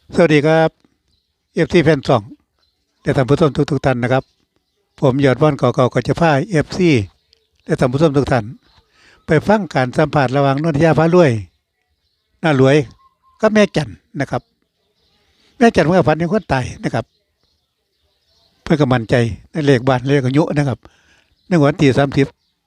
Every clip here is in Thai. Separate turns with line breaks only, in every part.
สวัสดีครับเอฟซีแฟนสองและท่านผู้ชมทุกท่านนะครับผมยอดว่านเก่าๆก็จะพาเอฟซีและท่านผู้ชมทุกท่านไปฟังการสัมผัสระหว่างนนทยาฟ้ารวยน่ารวยก็แม่จันนะครับแม่จันเมื่อฝันเห็นคนตายนะครับเพื่อกำมันใจในเลขบ้านเลขอายุนะครับในวันที่30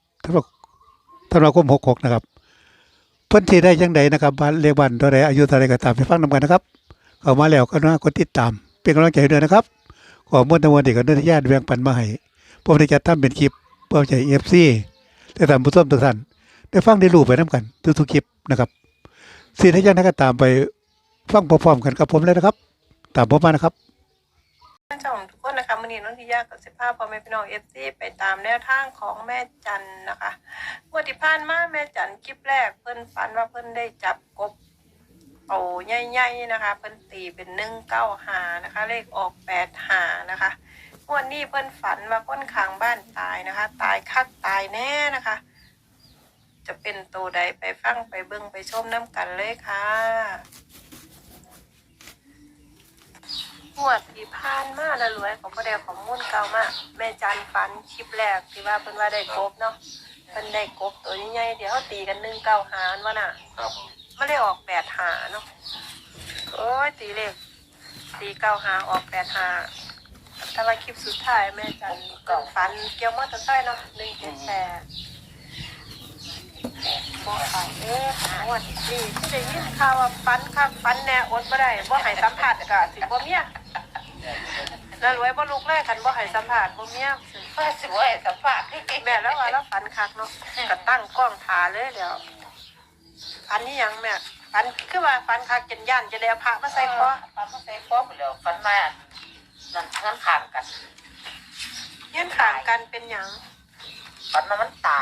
ธันวาคม66นะครับเพิ่นที่ได้จังใดนะครับบ้านเลขบ้านเท่าไรอายุเท่าไรก็ตามไปฟังนำกันนะครับเข้ามาแล้วก็น่ากดติดตามเป็นกำลังใจด้วยนะครับขอมวลทั้งมวลที่กับนนทยาแบ่งปันมาให้ผมได้จัดทำเป็นคลิปเพื่อใจFC และท่านผู้ชมทุกท่านได้ฟังได้รู้ไปนํกันทุกๆคลิปนะครับสิ่งที่ยังไงก็ตามไปฟังพร้อมๆกันกับผมเลยนะครับตามผมมานะครับ
ท่านผู้ชมทุกคนนะคะวันนี้น้องทิยากับสิภาพพ่อแม่พี่น้องFCไปตามแนวทางของแม่จันนะคะงวดที่ผ่านมาแม่จันคลิปแรกเพิ่นฝันว่าเพิ่นได้จับกบโตใหญ่ๆนะคะเพิ่นตีเป็น195นะคะเลขออก85นะคะงวดนี้เพิ่นฝันว่าคนข้างบ้านตายนะคะตายคักตายแน่นะคะจะเป็นตัวใดไปฟังไปเบิ่งไปชมน้ำกันเลยค่ะงวดที่ผ่านมาแล้วรวยของพ่อแดงของมุ่นเก่ามากแม่จันฝันคลิปแรกที่ว่าเพิ่นว่าได้กบเนาะเพิ่นได้กบตัวใหญ่ๆเดี๋ยวเขาตีกัน195ว่าน่ะไม่ได้ออก85เนาะโอ้ยตีเลขตี95ออก85แต่ว่าคลิปสุดท้ายแม่จันก็ฝันเกี่ยวมอเตอร์ไซค์เนาะ178บ่ฝันงวดนี้ที่ได้ยินข่าวว่าฝันคักฝันแน่อดบ่ได้บ่ให้สัมภาษณ์ก็สิบ่เมียแล้วรวยบ่ลุกเลยคันบ่ให้สัมภาษณ์บ่เมียสิบ่ให้สัมภาษณ์แม่แล้วว่าแล้วฝันคักเนาะก็ตั้งกล้องถ่าเลยเดี๋ยวฝันนี่ยังแม่ฝันคือว่าฝันคักจนย่านจะได้เอาพระมาใส่คอ
ฝันมาใส่คอไปแล้วฝันมานั่นงั้นขางกัน
ยืนข้างกันเป็นหยัง
ฝันมามันตาย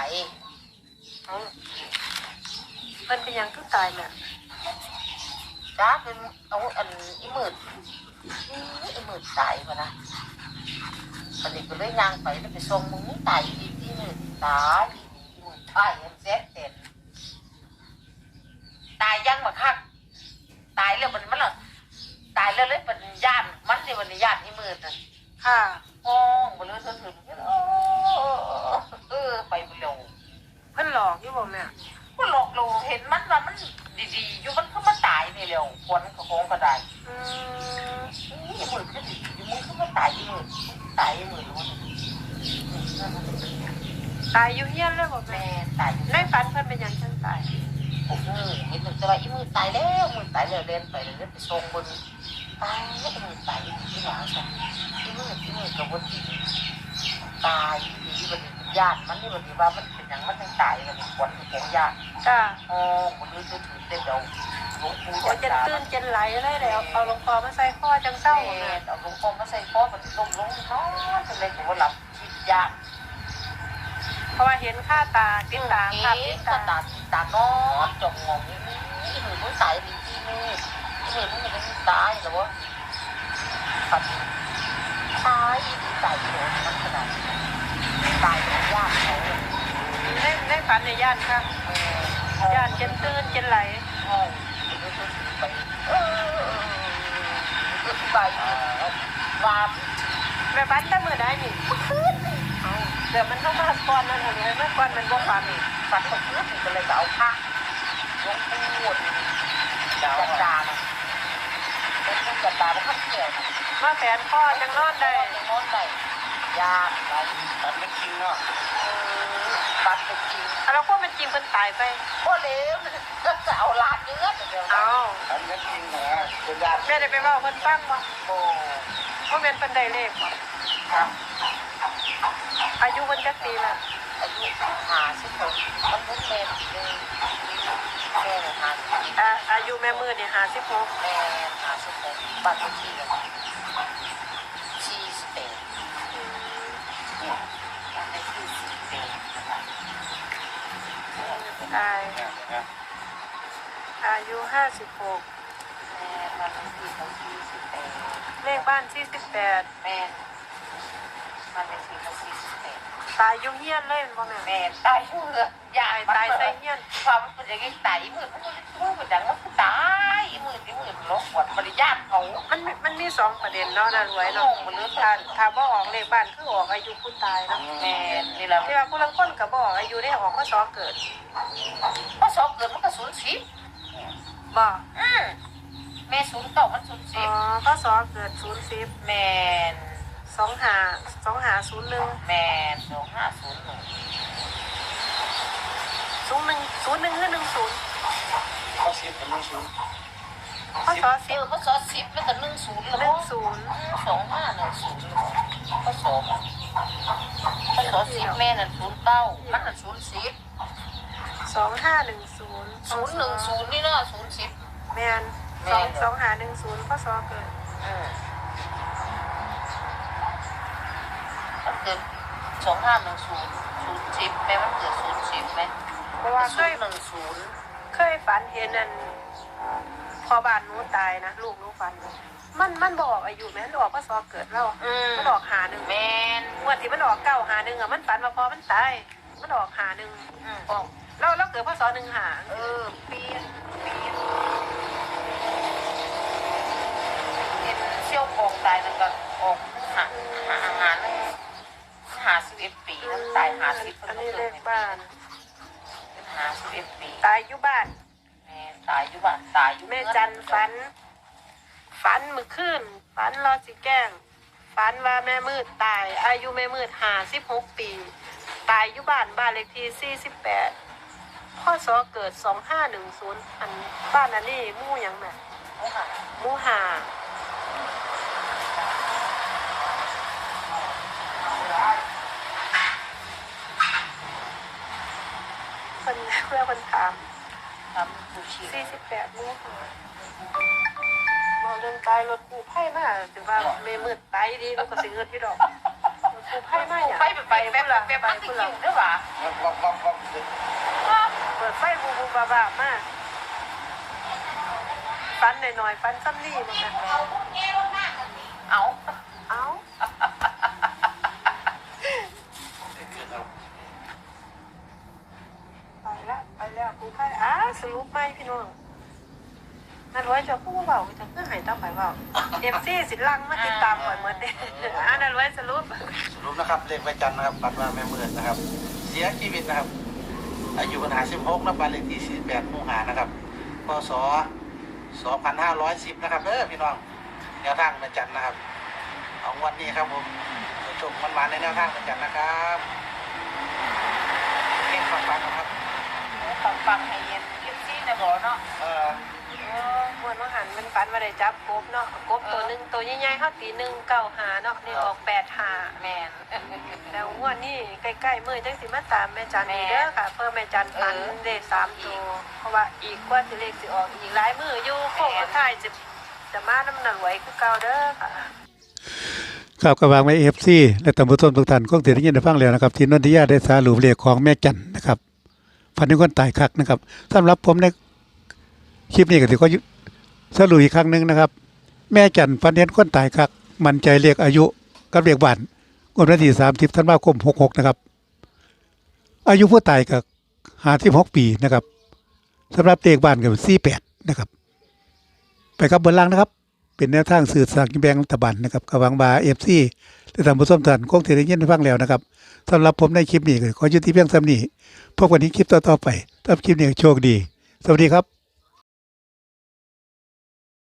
เพิ่นเป็นหยังคือตายแม่
จ้าเป็นเอาอันอีมืดตายมานะตอนนี้ก็เลยย่างไปแล้วไปส่งมึงตายอีมืดตายอีมืดตายเห็นเซ็ตเต็มตายยังมาคักตายแล้วมันละตายแล้วเลยเป็นย่านมันที่วันนี้ย่านอีมืดน่ะ
ค่ะ
ห้องมาเลยถึงไปเร็ว
เพิ่นหลอกอยู่บ่แม่
ก็หลอกเราเห็นมันว่ามันดีๆอยู่มันก็มาตายนี่เร็วคนก็คงก็ได้นี่มือก็ดีอยู่มือก็มาตายอยู่มือตายอยู่มือรู้
ตายอยู่เฮียนเลยบ่แม่
แม่ตาย
ในฝันเพิ่นเป็นหยังจังตาย
ผมเห็นมันจะว่าอีมือตายแล้วมือตายแล้วเล่นไปเลยไปส่งบนตายแล้วมือตายที่หลังใช่อีมือกับวันที่ตายที่วันญาติมันนี่วันที่ว่ามันเป็นอย่างมันยังตายกันคนของญาติ
จ้า
อ๋อคนนี้ถือเต็มเดียวหลวงปู่
โอ้จนตื่นจนไหลเลยแล้วเอาหลวงพ่อมาใส่คอจังเศร้าแม่
เอาหลวงพ่อมาใส่คอมันลงนอนเป็นอะไรผมว่าหลับคิดยาก
เพราะว่าเห็นค่าตาติดตาภาพติด
ตา
ตา
ตานอนจมงงนี่หนูมันตายดีที่นี่หนูมันตายหรือว่าตายตายโหดมันขนาดตายเป็นยากเขา
ในฝันในย่านค่ะย่านจนตื่นจนไหล
ห้องไปไปว่า
แม่ฝันแต่มื้อใดนี่เอาเดี๋ยวมันต้องมาก่อนนั่นเห็นไหมก่อนมันบ่ฝันนี่
ฝันของเพื่อนก็เลยเอาผ้าลงปูดจัดจานเป็นผู้จัดจานแล้วก็เกี่ยว
มาแฝนคอจังนอนได้
นอนได้ยากไรฝันไม่จริงเนาะฝันเป็นจริง
แล้วก็มันจริงเพิ่นตายไป
ก็เลวก็จะเอาลาดเนื้อเดียว
เอา
ฝันไม่จริงนะเป็นยาก
แม่ได้ไปเว้าเพิ่นฟังบ่
โอ้
ว่าแม่นเพิ่นได้เลขบ่
ครับ
อายุเพิ่นจักปีแล้ว
อายุ56มันเป็นเมนเลยแม่50
อายุแม่มือนี่56
แม่56บัตรที่เลยที่สเปนในที่สเปนนะครับ
ตายอายุ56
แม่มันที่เขาที่สเปน
เลขบ้าน48
แม่มันเป็นที่เขาที่สเปน
ตตายยุ่งเฮียนเลยบ่แม่
แม่ตายอยู่เรือยาย
ตายใส่เฮียน
ความมันเป็นอย่างนี้ตายมือมันเป็นอย่างนั้นตายมือที่มือมันลบกดบริญาตเขา
มันมี2ประเด็นเนาะน่ารวย
ล
เนาะ
งมันเลือด
ถ้าบ่ออกเลขบ้านคือออกอายุผู้ตายเนาะ
แม่นี่แหละ
ที่ว่าผู้ลางคนก็บ่ออกอายุได้ออกพศเกิด
พอสอบเกิดมันก็ศูนย์สิบ
บ่
แม่ศูนย์เก่ามันศูนย์
อ๋
สิ
อบ พศเกิด00
แม่
2501
แม่2501
01คือ10
เขาเสียเป็นเรื่องศูนย์
พศ
พอสอบ10แล้วก็10แล้ว
10
2510พอสอบ10แม่นั่น09มันนั่น00
2510
นี่เนาะ00
แม่น2510พศเกิด
มันเกิด2510 แม่มันเกิด00ไหม
เพราะว่าเคย
10
เคยฝันเห็นนั่นพอบ้านหนูตายนะลูกหนูฝันมันบอกอายุแม่นออกพศเกิดแล้วมันออก51
แม่น
งวดที่มันออก951อ่ะมันฝันว่าพอมันตายมันออก51ออกแล้วเกิดพศ15
เปลี่ยนเห็นเชี่ยวกองตายนั่นก็ออก51 ปีนั่นตาย50
อันนี้เลขบ้าน
51 ปี
ตายอยู่บ้าน
แม่ตายอยู่บ้านตายอยู่
แม่จันฝันมื้อคืนฝันรอสิแกล้งฝันว่าแม่มืดตายอายุแม่มืด56 ปีตายอยู่บ้านเลขที่48พศเกิด2510อันบ้านอันนี้หมู่หยังแม่ หมู่ห้าคนเพื่อคนถาม
ทำผู้ชี
48หมู่ห้าบอกเรื่องตายรถกูไพ่มาถึงว่าเมมืดตายดีแล้วก็สิเงินที่ดอกรถกูไพ่มาอย่าง
ไปแบบมันจริงด้วยวะ
เปิดไฟบูบูบาบามากฟันหน่อยๆฟันซ้ำนี่มันนะ
เอา
เอ้าไปแล้วกูไพ่สรุปไหมพี่น้องนั่นไว้จะพูดเบาจะเพื่อหายตั้งไปเบาFC สิลังมาติดตามก่อนเหมือนเดิมนั่นไว้สรุป
นะครับเลขใบจันทร์นะครับปัดว่าแม่เมื่อนนะครับ เสียชีวิตนะครับ อายุปัญหา16นะบ้านเลขที่48หมู่5นะครับพศ2510นะครับพี่น้องแนวทางแม่จันทร์นะครับเอาวันนี้ครับผมชมมันในแนวทางแม่จันทร์นะครับเล่นฟังๆนะครับ
ฟังให้เย็นเย็นซี่นะบอกเนาะ
มวนว่าหันมันฝันว่าได้จับกบเนาะกบตัวหนึ่งตัวใหญ่ๆเขาตี195เนาะนี่ออก85
แม่น
แล้วงวดนี้ใกล้ๆมื้อจังสิมาตามแม่จันนี่เด้อค่ะเพิ่มแม่จันฝันได้3ตัวเพราะว่าอีกกว่าสิเลขสิออกอีกหลายมื้ออยู่โค้งสุดท้ายจะมาน้ำหนักไหวคือเก่าเด้อค่ะ
ครับกระวางไว้ FC และตำรวจต้นทุกท่านคงได้ยินได้ฟังแล้วนะครับที่นนทิยาได้สารุปเลขของแม่จันนะครับฝันถึงคนตายคักนะครับสำหรับผมในคลิปนี้ก็ถือว่าสรุปอีกครั้งหนึงนะครับ แม่จันฝันเห็นคนตายคักมั่นใจเลขอายุกับเลขบ้านงวดวันที่30ธันวาคม66นะครับอายุผู้ตายก็56ปีนะครับสำหรับเลขบ้านก็48นะครับไปครับบนล่างนะครับเป็นแนวทางสื่อสารกินแบงรัฐบาลนะครับกระวังบาFC และตามผู้ชมท่านคงจะได้ยินได้ฟังแล้วนะครับสำหรับผมในคลิปนี้ก็ขอยุติเพียงเท่านี้พบกันในคลิปต่อๆไปถ้าคลิปนี้โชคดีสวัสดีครับ